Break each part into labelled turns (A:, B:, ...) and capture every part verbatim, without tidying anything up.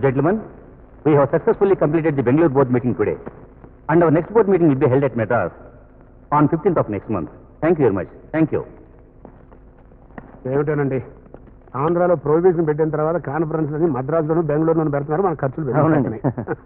A: gentlemen, we have successfully completed the Bangalore board meeting today, and our next board meeting will be held at Madras on fifteenth of next month. Thank you very much. Thank you.
B: ఏమిటోనండి ఆంధ్రాలో prohibition పెట్టిన తర్వాత conference అని మద్రాసులోను బెంగళూరులోను పెడుతున్నారు, మన ఖర్చులు
A: అవునండి.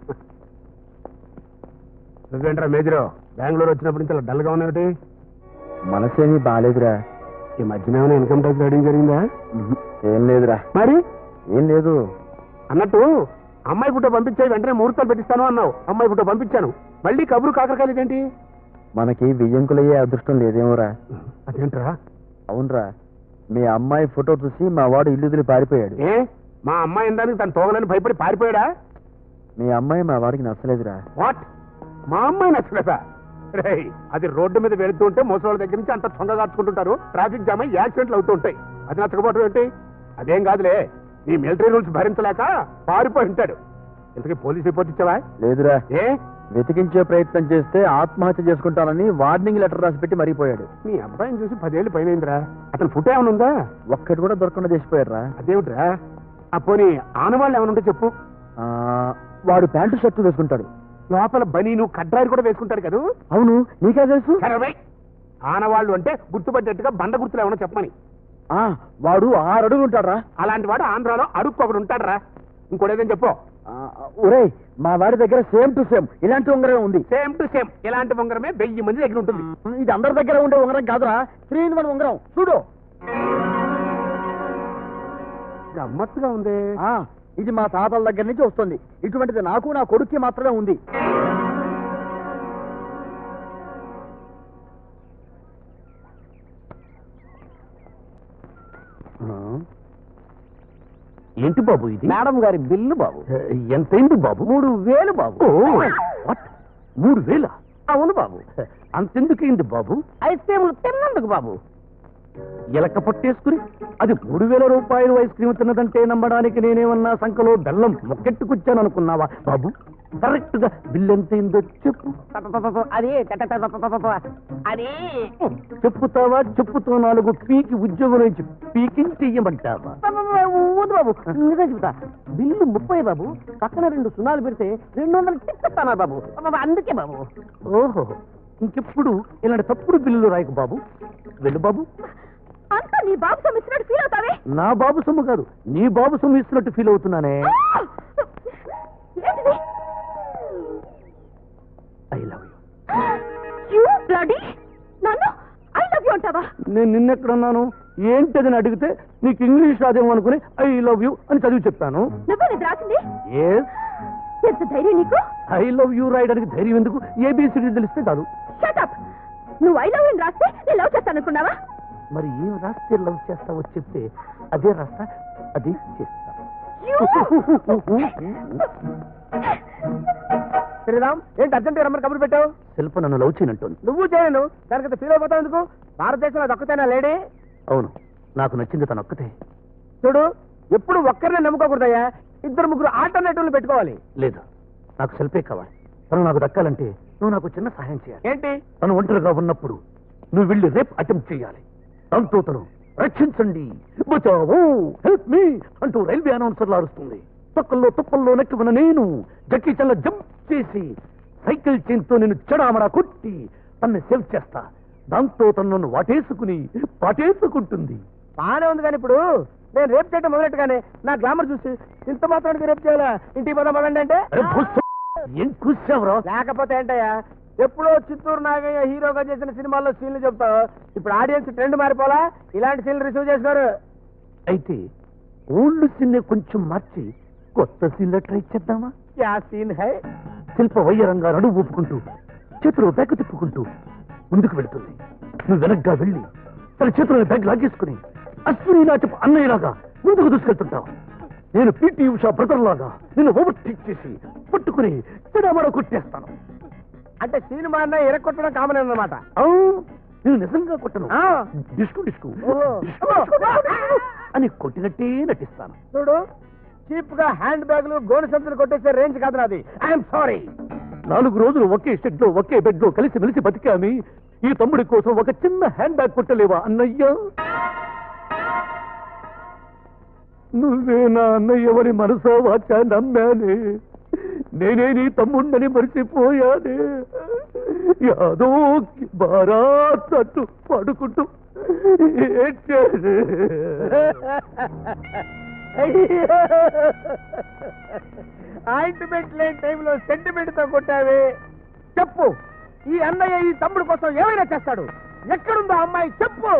B: నువ్వేంట్రా major Bengaluru వచ్చినప్పుడు నుంచి అలా డల్గా ఉన్నావుటి?
C: మనసేమీ బాగాలేదురా.
B: ఈ మధ్యన ఏమైనా ఇన్కమ్ ట్యాక్స్ రైడింగ్ జరిగిందా?
C: ఏం లేదురా.
B: మరి
C: ఏం లేదు.
B: అన్నట్టు అమ్మాయి పుట్ట పంపించాయి, వెంటనే ముహూర్తాలు పెట్టిస్తాను అన్నావు. అమ్మాయి పుట్ట పంపించాను, మళ్ళీ కబురు కాకరకాయలు ఏంటి?
C: మనకి బియ్యంకులయ్యే అదృష్టం లేదేమోరా.
B: అదేంట్రా?
C: అవునరా, మీ అమ్మాయి ఫోటో చూసి మా వాడు ఇల్లు వదిలి పారిపోయాడు.
B: ఏ మా అమ్మాయి ఇందానికి తను తోగలని భయపడి పారిపోయాడా?
C: మీ అమ్మాయి మా వాడికి నచ్చలేదురా.
B: వాట్? మా అమ్మాయి నచ్చలేదా? రే, అది రోడ్డు మీద వెళుతూ ఉంటే ముసలి దగ్గర నుంచి అంత చొంగ కాచుకుంటుంటారు, ట్రాఫిక్ జామ్ అయ్యి యాక్సిడెంట్లు అవుతూ ఉంటాయి. అది నచ్చకపోవడం ఏంటి? అదేం కాదులే, నీ మిలిటరీ రూల్స్ భరించలేక పారిపోయి ఉంటాడు. ఇంతకీ పోలీస్ రిపోర్ట్ ఇచ్చావా?
C: లేదురా.
B: ఏ
C: వెతికించే ప్రయత్నం చేస్తే ఆత్మహత్య చేసుకుంటానని వార్నింగ్ లెటర్ రాసి పెట్టి మరిగిపోయాడు.
B: మీ అబ్బాయిని చూసి పదేళ్ళు పైన అయిందిరా. అతను ఫుట్ ఏమైనా ఉందా?
C: ఒక్కటి కూడా దొరకకుండా చేసిపోయాడురా.
B: అదేమిట్రా? ఆ పోనీ ఆనవాళ్ళు ఏమైనా ఉంటే చెప్పు.
C: ఆ, వాడు ప్యాంటు షర్టు వేసుకుంటాడు,
B: లోపల బనీను కడ్రాయిలు కూడా వేసుకుంటాడు కదా?
C: అవును, నీకే తెలుసు?
B: ఆనవాళ్ళు అంటే గుర్తుపట్టేట్టుగా బండ గుర్తులు ఏమన్నా చెప్పమని.
C: ఆ, వాడు ఆరు అడుగులు ఉంటాడురా.
B: అలాంటి వాడు ఆంధ్రాలో అడుక్కు ఒకడు ఉంటాడురా. ఇంకోటేదని చెప్పు.
C: ఒరే, మా వాడి దగ్గర సేమ్ టు సేమ్ ఇలాంటి ఉంగరం ఉంది.
B: సేమ్ టు సేమ్ ఇలాంటి ఉంగరమే వెయ్యి మంది దగ్గర ఉంటుంది.
C: ఇది అందరి దగ్గర ఉండే ఉంగరం కాదురా, త్రీ ఇన్ వన్ ఉంగరం. చూడు,
B: గమ్మత్తుగా ఉంది.
C: ఆ, ఇది మా తాతల దగ్గర నుంచి వస్తుంది. ఇటువంటిది నాకు నా కొడుక్కి మాత్రమే ఉంది.
A: ఏంటి బాబు ఇది?
C: మేడం గారి బిల్లు బాబు.
A: ఎంతైంది బాబు?
C: మూడు వేలు బాబు.
A: వాట్? మూడు వేల?
C: అవును బాబు.
A: అంతెందుకైంది బాబు?
C: ఐస్ క్రీములు తిన్నందుకు బాబు.
A: ఎలక పట్టేసుకుని అది మూడు వేల రూపాయలు ఐస్ క్రీమ్ తిన్నదంటే నమ్మడానికి నేనేమన్నా సంఖలో బెల్లం మొక్కెట్టుకొచ్చాను అనుకున్నావా బాబు? కరెక్ట్ గా బిల్ ఎంతైందో చెప్పు.
C: అది అది
A: చెప్పుతావా? చెప్పుతో నాలుగు పీకి ఉద్యోగం నుంచి పీకింగ్ చెయ్యమంటావా?
C: వద్దు బాబు, నిజం చెబుతా. బిల్లు ముప్పై బాబు, పక్కన రెండు సున్నాలు పెడితే రెండు వందలు తిప్పిస్తాను బాబు. అందుకే బాబు.
A: ఓహో, ఇంకెప్పుడు ఇలాంటి తప్పుడు బిల్లులు రాయకు బాబు. వెళ్ళు బాబు.
D: అంతా నీ బాబు సొమ్ము ఇస్తున్నట్టు ఫీల్ అవుతావే?
A: నా బాబు సొమ్ము కాదు, నీ బాబు సొమ్ము ఇస్తున్నట్టు ఫీల్ అవుతున్నానే.
D: ఏంటిది?
A: I love
D: you bloody. నన్ను ఐ లవ్ యూ అంటావా?
A: నేను నిన్నెక్కడున్నాను ఏంటదని అడిగితే నీకు ఇంగ్లీష్ రాదేమో అనుకుని ఐ లవ్ యూ అని చదివి చెప్పాను.
D: నువ్వు ఇది రాసింది?
A: ఎస్.
D: ఎంత ధైర్యం నీకు?
A: ఐ లవ్ యూ రాయడానికి ధైర్యం ఎందుకు? ఏబిసిడి తెలిస్తే కాదు.
D: Shut up. నువ్వు ఐ లవ్ యూ రాస్తే నేను లవ్ చేస్తాను అనుకున్నావా?
A: మరి ఏం రాస్తే లవ్ చేస్తావో చెప్తే అదే రాస్తా, అదే చేస్తా.
C: శ్రీరామ్, ఏంటి అర్జెంట్ రమ్మని కబురు పెట్టావు?
A: శిల్ప నన్ను లవ్ చేయనంటుంది.
C: నువ్వు చేయను, దానికి ఫీల్ అయిపోతావు ఎందుకు? భారతదేశంలో అది ఒక్కతేనా లేడీ?
A: అవును, నాకు నచ్చింది తను ఒక్కతే.
C: చూడు, ఎప్పుడు ఒక్కరినే నమ్ముకోకూడదయ్యా, ఇద్దరు ముగ్గురు ఆల్టర్నేటివ్లు పెట్టుకోవాలి.
A: లేదు, నాకు శిల్పే కావాలి. తను నాకు దక్కాలంటే నువ్వు నాకు చిన్న సహాయం చేయాలి.
C: ఏంటి?
A: తను ఒంటరిగా ఉన్నప్పుడు నువ్వు వెళ్ళి రేప్ అటెంప్ట్ చేయాలి. దాంతో తను రక్షించండి, బచావో, హెల్ప్ మీ అంటూ రైల్వే అనౌన్సర్లు అరుస్తుంది. తొక్కల్లో తుప్పల్లో నెక్కున్న నేను జక్కీ చల్ల జంప్ చేసి సైకిల్ చైన్తో నేను చెడామడా కొట్టి తన్ని సేవ్ చేస్తా. దాంతో తను వాటేసుకుని పాటేసుకుంటుంది.
C: బాగానే ఉంది, కానీ ఇప్పుడు నేను రేప్ చేయడం మొదలెట్టుగానే నా గ్లామర్ చూసి ఇంత మాత్రానికి రేప్ చేయాలా? ఇంటికి పోదాం పదండి అంటే
A: ఏం కూర్చావరా?
C: లేకపోతే ఏంటయ్యా, ఎప్పుడో చిత్తూరు నాగయ్య హీరోగా చేసిన సినిమాల్లో సీన్లు చెప్తావు. ఇప్పుడు ఆడియన్స్ ట్రెండ్ మారిపోలా, ఇలాంటి సీన్లు రిసీవ్ చేస్తున్నారు.
A: అయితే ఓల్డ్ సీన్ కొంచెం మార్చి కొత్త సీన్లో ట్రై చేద్దామా?
C: యా సీన్ హై.
A: శిల్ప వయ్యరంగా నడువు ఊపుకుంటూ చేతులు బ్యాగ్ తిప్పుకుంటూ ముందుకు వెళుతుంది. నువ్వు వెనక్గా వెళ్ళి తన చేతులను బ్యాగ్ లాగేసుకుని అశ్విని నాటి అన్నయ్యలాగా ముందుకు దూసుకెళ్తుంటావు. నేను పీటీ ఉషా బ్రదర్ లాగా నిన్ను ఓవర్టేక్ చేసి పట్టుకుని తినమడ కొట్టేస్తాను.
C: అంటే సినిమా అన్న ఎరగొట్టడం కామన్ అన్నమాట.
A: నేను నిజంగా కొట్టను, డిస్కు డిస్కు అని కొట్టినట్టే నటిస్తాను.
C: చూడు, చీప్ గా హ్యాండ్ బ్యాగులు గోను సంచులు కొట్టేసే రేంజ్ కాదు నాది. I'm sorry.
A: నాలుగు రోజులు ఒకే షెడ్ లో ఒకే బెడ్ లో కలిసి మెలిసి బతికామి. ఈ తమ్ముడి కోసం ఒక చిన్న హ్యాండ్ బ్యాగ్ కొట్టలేవా అన్నయ్య? నువ్వే నా అన్నయ్యవని మనసా వాచా నమ్మానే. నేనే నీ తమ్ముండని మరిచిపోయానే. యాదో బారాత్ తట్టు పడుకుంటూ ఏడ్చానే.
C: ఆయింట్మెంట్ లేని టైంలో సెంటిమెంట్ తో కొట్టావే. చెప్పు, ఈ అన్నయ్య ఈ తమ్ముడు కోసం ఏమైనా చేస్తాడు. ఎక్కడుందో అమ్మాయి చెప్పు.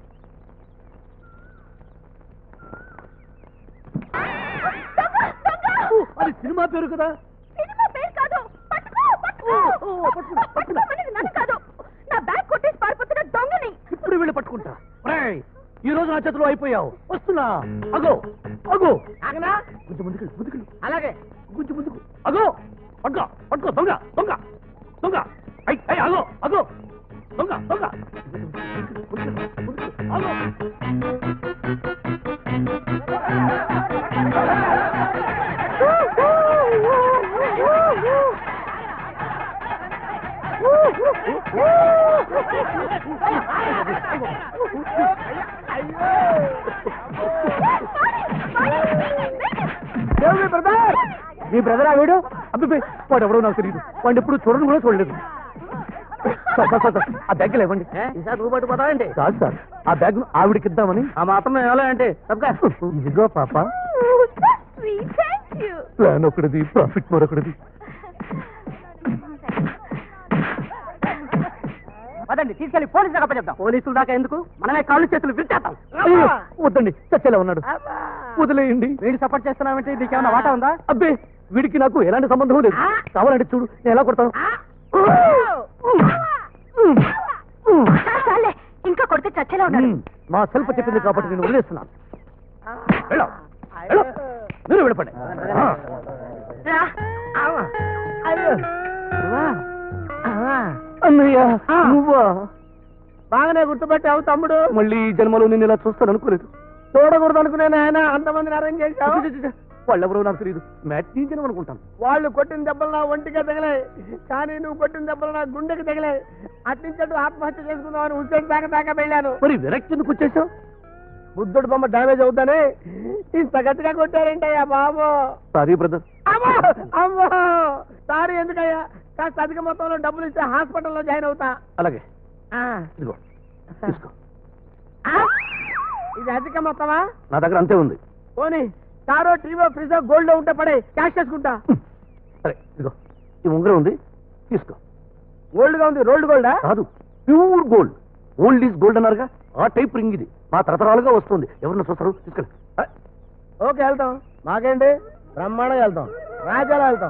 A: అది సినిమా పేరు కదా.
D: సినిమా పేరు కాదు. పట్టుకో, పట్టుకో. పట్టుకోమనేది నన్ను కాదు, నా బ్యాగ్ కొట్టేసి పారిపోతున్న దొంగని.
A: ఇప్పుడు వెళ్ళి పట్టుకుంటా. ఒరేయ్, ఈ రోజు నా చేతిలో అయిపోయావు. వస్తున్నా. అగో అగో.
C: ఆగనా?
A: కొంచెం ముందుకెళ్ళి ముందుకెళ్ళి
C: అలాగే.
A: కొంచెం ముందుకు. అగో పట్టుకో పట్టుకో. దొంగ దొంగ దొంగ. అయ్ అయ్ అగో అగో. దొంగ దొంగ. అగో.
C: మీ బ్రదరా వీడు?
A: అబ్బే, వాడు ఎవడో నాకు తెలియదు. వాడిని ఎప్పుడు చూడను కూడా చూడలేదు. సార్, సార్, సార్, ఆ బ్యాగ్ ఇవ్వండి.
C: ఈసారి నువ్వు పట్టుకుపోతావండి?
A: కాదు సార్, ఆ బ్యాగ్ ఆవిడకి ఇద్దామని.
C: ఆ మాత్రం ఎలా అంటే
A: ఇదిగో పాప.
D: Sweet, thank you.
A: ప్లాన్ ఒకటిది, ప్రాఫిట్ మరొకటిది.
C: పదండి, తీసుకెళ్లి పోలీసులకు అప్పచెప్తాం. పోలీసులు దాకా ఎందుకు, మనమే కాళ్ళు చేతులు విరిచేద్దాం.
A: అయ్యో, వద్దండి, చచ్చేలా ఉన్నాడు. వదిలేయండి.
C: వీడు సపోర్ట్ చేస్తున్నామంటే నీకేమన్నా వాటా ఉందా?
A: అబ్బే, వీడికి నాకు ఎలాంటి సంబంధం లేదు. కావాలంటే చూడు, నేను ఎలా కొడతాను.
D: చాలు, చాలులే. ఇంకా కొడితే చచ్చేలా ఉన్నాడు.
A: మా సెల్ఫ్ చెప్పింది కాబట్టి నేను వదిలేస్తున్నాను. వెళ్ళు, వెళ్ళు. మీరు వెళ్ళపండి.
D: రా.
A: అన్నయ్య, నువ్వా?
C: బాగానే గుర్తుపెట్టావు తమ్ముడు.
A: మళ్ళీ ఈ జన్మలో నేను ఇలా చూస్తాను అనుకోలేదు.
C: చూడకూడదు అనుకునే ఆయన అంతమందిని అరేంజ్ చేశావు.
A: వాళ్ళెవరో నాకు తెలియదు. మ్యాచ్ జనం అనుకుంటాను.
C: వాళ్ళు కొట్టిన దెబ్బలు నా ఒంటిగా తగిలాయి, కానీ నువ్వు కొట్టిన దెబ్బలు నా గుండెకి తగిలాయి. అట్నుంచట్టు ఆత్మహత్య చేసుకుందామని హుస్సేన్ దాకా దాకా వెళ్ళాను.
A: మరి వెనక్కి ఎందుకు వచ్చేసావు?
C: బుద్ధుడు బొమ్మ డామేజ్ అవుతానే ఇంత గట్టిగా కొట్టారంటయ్యా బాబు.
A: Sorry brother.
C: అమ్మో అమ్మో, సారీ ఎందుకయ్యా? కాస్త అధిక మొత్తంలో డబ్బులు ఇస్తే హాస్పిటల్లో జాయిన్ అవుతా.
A: అలాగే,
C: ఆ,
A: ఇదిగో తీసుకో.
C: ఆ, ఇది అధిక మొత్తమా?
A: నా దగ్గర అంతే ఉంది.
C: పోనీ కారో టీవో ఫ్రిజో గోల్డ్ ఉంటే పడే, క్యాష్ చేసుకుంటా.
A: సరే, ఇదిగో ఈ ఉంగరం ఉంది, తీసుకో.
C: గోల్డ్ గా ఉంది. రోల్డ్ గోల్డా?
A: కాదు, pure gold. Old is gold అన్నారుగా, ఆ టైప్ రింగ్ ఇది. మా తరతరాలుగా వస్తుంది. ఎవరిని చూస్తారు? తీసుకెళ్ళి.
C: ఓకే, వెళ్తాం. మాకేంటి, బ్రహ్మాండంగా వెళ్తాం. రాజాలో వెళ్తాం.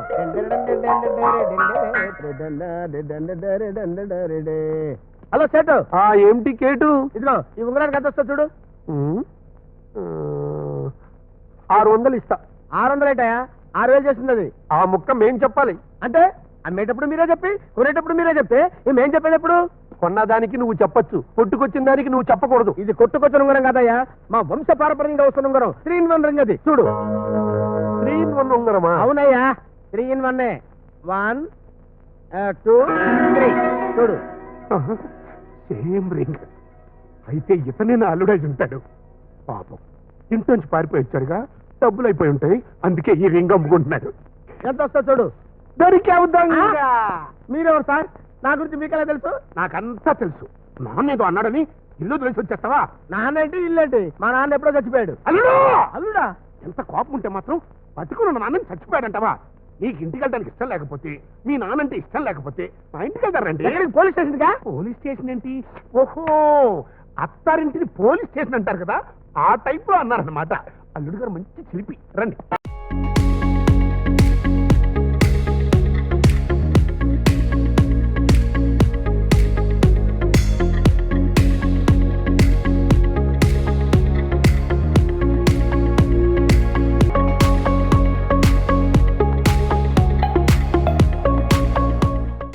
C: Hello set.
A: ఆ ఏంటి కేటు?
C: ఇదిగో ఈ ఉంగరానికి ఎంత వస్తా చూడు.
A: ఉమ్, ఆ, ఆరు వందలు ఇస్తా.
C: ఆరు వందలు ఏంటయా? ఆరు వేలు చేస్తుంది అది.
B: ఆ ముక్క మేం చెప్పాలి.
C: అంటే అమ్మేటప్పుడు మీరే చెప్పి, కొనేటప్పుడు మీరే చెప్తే మేం చెప్పేటప్పుడు
B: కొన్నదానికి నువ్వు చెప్పొచ్చు, కొట్టుకొచ్చిన దానికి నువ్వు చెప్పకూడదు.
C: ఇది కొట్టుకొచ్చిన ఉంగరం కదయ్యా, మా వంశ పారపర్యంగా వస్తున్న ఉంగరం. త్రీ ఇన్ వన్ రింగ్ అది. చూడు.
B: త్రీ ఇన్ వన్ ఉంగరమా?
C: అవునయ్యా, three in one. One two three. చూడు.
B: Same ring. అయితే ఇతనే నా అల్లుడై ఉంటాడు. పాపం ఇంట్లోంచి పారిపోయి వచ్చారుగా, డబ్బులు అయిపోయి ఉంటాయి, అందుకే ఈ రింగ్ అమ్ముకుంటున్నాడు.
C: ఎంత వస్తా చూడు.
B: దొరికేవుద్దాం.
C: మీరెవరు సార్? నా గురించి మీకెలా తెలుసు?
B: నాకంతా తెలుసు. నాన్న ఏదో అన్నాడని ఇల్లు తెలిసి వచ్చేస్తావా?
C: నాన్న ఏంటి, ఇల్లేంటి? మా నాన్న ఎప్పుడో చచ్చిపోయాడు.
B: అల్లుడు!
C: అల్లుడా?
B: ఎంత కోపం ఉంటే మాత్రం బతుకున్న నాన్నని చచ్చిపోయాడంటావా? నీకు ఇంటికి వెళ్ళడానికి ఇష్టం లేకపోతే, మీ నాన్నంటే ఇష్టం లేకపోతే మా ఇంటికి వెళ్తారండి.
C: పోలీస్ స్టేషన్ గా?
B: పోలీస్ స్టేషన్ ఏంటి? ఓహో, అత్తారింటిని పోలీస్ స్టేషన్ అంటారు కదా, ఆ టైప్ లో అన్నారన్నమాట. అల్లుడు గారు మంచి చిలిపి. రండి.